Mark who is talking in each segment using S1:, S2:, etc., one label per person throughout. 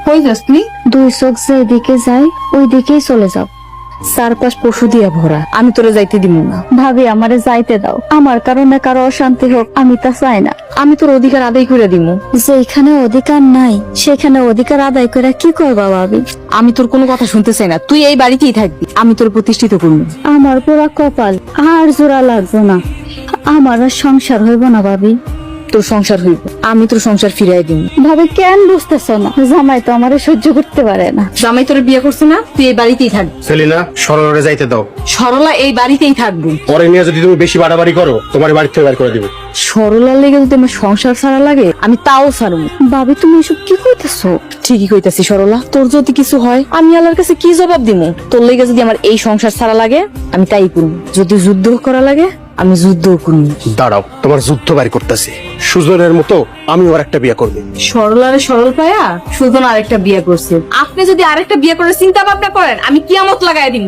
S1: কই যাস তুই?
S2: দুই চোখ যেদিকে যায় ওই দিকেই চলে যাও।
S1: চারপাশ পশু দিয়া ভরা, আমি তোরে যাইতে দিব না।
S2: ভাবি আমারে যাইতে দাও, আমার কারণে কারো অশান্তি হোক আমি তা চাই না।
S1: আমি তোর অধিকার আদায় করে দিব।
S2: যেখানে অধিকার নাই সেখানে অধিকার আদায় করে কি করবা ভাবি?
S1: আমি তোর কোনো কথা শুনতে চাই না, তুই এই বাড়িতেই থাকবি, আমি তোর প্রতিষ্ঠিত করবো।
S2: আমার পুরা কপাল, আর জোড়া লাগবে না, আমার আর সংসার হইব না ভাবি।
S1: তোর সংসার হইব, আমি তোর সংসার ফিরাই দিব।
S2: ভাবি কেন বুঝতেছ না? জামাই তো আমারে সহ্য করতে পারে না।
S1: জামাই তোর বিয়ে করছে না, তুই এই বাড়িতেই থাকবি।
S3: সেলিনা, সরলরে যাইতে দাও।
S1: সরলা এই বাড়িতেই থাকবি।
S3: পরে নিয়ে যদি তুমি বেশি বাড়াবাড়ি করো তোমার বাড়ি থেকে বের করে দিব।
S1: সরলার লেগে যদি আমার সংসার ছাড়া লাগে আমি তাও ছাড়বো।
S2: ভাবি তুমি এসব কি কইতেছো?
S1: ঠিকই কইতাছি সরলা, তোর যদি কিছু হয় আমি আল্লাহর কাছে কি জবাব দিব? তোর লেগে যদি আমার এই সংসার ছাড়া লাগে আমি তাই করব, যদি যুদ্ধ করা লাগে আমি যুদ্ধ করব।
S3: দাঁড়াও, তোমার যুদ্ধ বাড়ি করতেছি। সুজনের মতো আমি ওর একটা বিয়ে করবো।
S1: সরলারে সরল পায়া সুজন আরেকটা বিয়ে করছে। আপনি যদি আরেকটা বিয়ে করার চিন্তা ভাবনা করেন আমি কিয়ামত লাগাই দিব।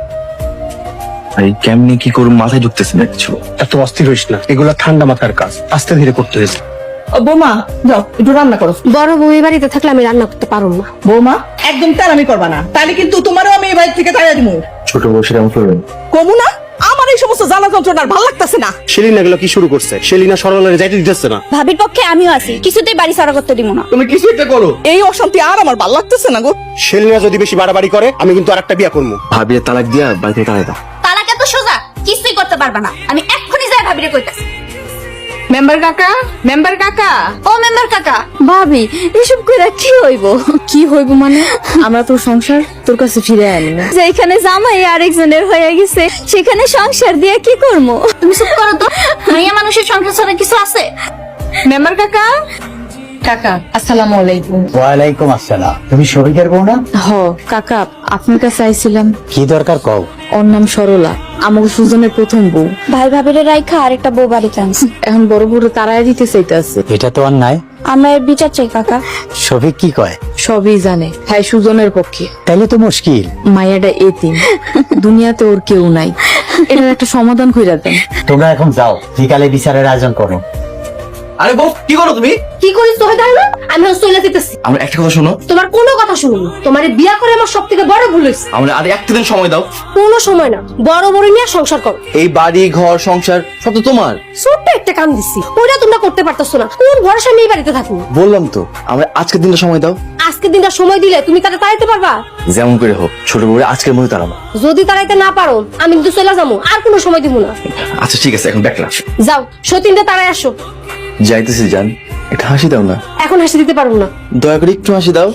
S4: আরে কেমনি কি করব মাথায় ঢুকতেছে না কিছু।
S3: এত অস্থির হইস না, এগুলো ঠান্ডা মাথার কাজ, আস্তে ধীরে করতে হয়েছে।
S1: বৌমা যাও একটু রান্না করো।
S5: বড় বউ এই বাড়িতে থাকলে আমি রান্না করতে পারবো না।
S6: বৌমা একদম তাড়ামি করবা না, তাহলে কিন্তু তোমারও আমি এই বাড়ি থেকে তাড়িয়ে দিব।
S4: ছোট বয়সে এমন করবেন?
S6: কমু না, আমার এই সমস্ত জ্বালা যন্ত্রণার ভালো লাগতেছে না।
S3: সেলিনা এগুলো কি শুরু করছে? সেলিনা সরলরে যাইতে দিতেছে না।
S2: ভাবির পক্ষে আমিও আছি, কিছুতেই বাড়ি ছাড়া করতে দিব না।
S3: তুমি কিছু একটা করো।
S6: এই অশান্তি আর আমার ভালো লাগতেছে না গো।
S3: সেলিনা যদি বেশি বাড়াবাড়ি করে আমি কিন্তু আরেকটা বিয়ে করবো।
S4: ভাবিয়ে তালাক দিয়া বাড়ি থেকে তাড়াই দাও।
S2: তালাক এত সোজা কিছুই করতে পারবা না, আমি এক্ষুনি যাই ভাবিরে কইতাছি।
S1: মেম্বার কাকা, মেম্বার কাকা।
S2: ও মেম্বার কাকা। ভাবি এসব কইরা কি হইব?
S1: কি হইব মানে? আমরা তোর সংসার তোর কাছে ফিরে আনি না।
S2: যেখানে জামাই আরেকজনের হয়ে গেছে সেখানে সংসার দিয়ে কি করবো? তুমি চুপ করো তো, মাইয়া মানুষের সংসার ছাড়া কিছু আছে?
S1: মেম্বার কাকা। কাকা আসসালামু আলাইকুম।
S7: ওয়ালাইকুম আসসালাম। তুমি শফিকের বউ না?
S1: হ কাকা, আপনার কাছে আইছিলাম।
S7: কি দরকার কও?
S1: ওর নাম সরলা, আমাকে সুজনের প্রথম বউ।
S2: ভাই ভাবিরে রাইখা আরেকটা বউ বাড়িতে আনছি।
S1: এখন বড় বড় তারাই দিতে চাইতেছে।
S7: এটা তো অন্যায়।
S2: আমরা এর বিচার চাই কাকা।
S7: শফিক কি কয়?
S1: সবই জানে, হ্যাঁ সুজনের পক্ষে।
S7: তাইলে তো মুশকিল।
S1: মায়াটা এতিম, দুনিয়াতে ওর কেউ নাই, এটার একটা সমাধান কইরা দেন।
S7: তোমরা এখন যাও, বিকালে বিচারের আয়োজন করো।
S4: আরে বউ কি করো তুমি?
S5: কি করিস তোকে জানো না? আমি হস্টেলে দিতেছি।
S4: আমরা একটা কথা শোনো,
S5: তোমার কোনো কথা শুনুন, তোমার বিয়া করে আমার সব থেকে বড় ভুল হয়েছে।
S4: আমরা আর একটা দিন সময় দাও।
S5: কোনো সময় না, বড় বড় নিয়ে সংসার করো।
S4: এই বাড়ি ঘর সংসার সব তো তোমার।
S5: ছোট্ট একটা কাম দিচ্ছি, ওইটা তোমরা করতে পারতেছো না। কোন ভরসা নিয়ে এই বাড়িতে থাকবো?
S4: বললাম তো আমরা আজকের দিনটা সময় দাও।
S5: আজকে দিনটা সময় দিলে তুমি তাকে তাড়াইতে পারবা?
S4: যেমন করে হোক ছোট বউরে আজকের মধ্যে তাড়াবো।
S5: যদি তাড়াইতে না পারো আমি কিন্তু চলে যাবো, আর কোনো সময় দিব না।
S4: আচ্ছা ঠিক আছে, এখন দেখলাম
S5: যাও সতীনটা তাড়াই আসো।
S4: যাইতেছি জান, একটা হাসি দাও না।
S5: এখন হাসি দিতে পারবো না।
S4: দয়া করে একটু হাসি দাও।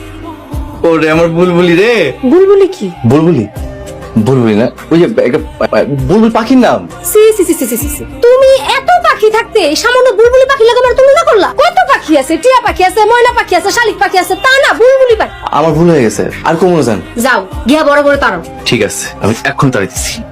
S4: ওরে আমার বুলবুলি রে।
S5: বুলবুলি কি?
S4: বুলবুলি বুলবুলি না, ওই যে একটা বুলবুল পাখির নাম।
S5: সি সি সি সি সি সি। তুমি এত পাখি থাকতে সামান্য বুলবুলি পাখি লাগাবার তুমি না করলা? কত পাখি আছে, টিয়া পাখি আছে, ময়না পাখি আছে, শালিক পাখি আছে, তা না বুলবুলি পাখি।
S4: আমার ভুল হয়ে গেছে, আর কমনো জান।
S5: যাও গিয়া বড় বড় তাড়াও।
S4: ঠিক আছে, আমি এখন তাড়াইতেছি।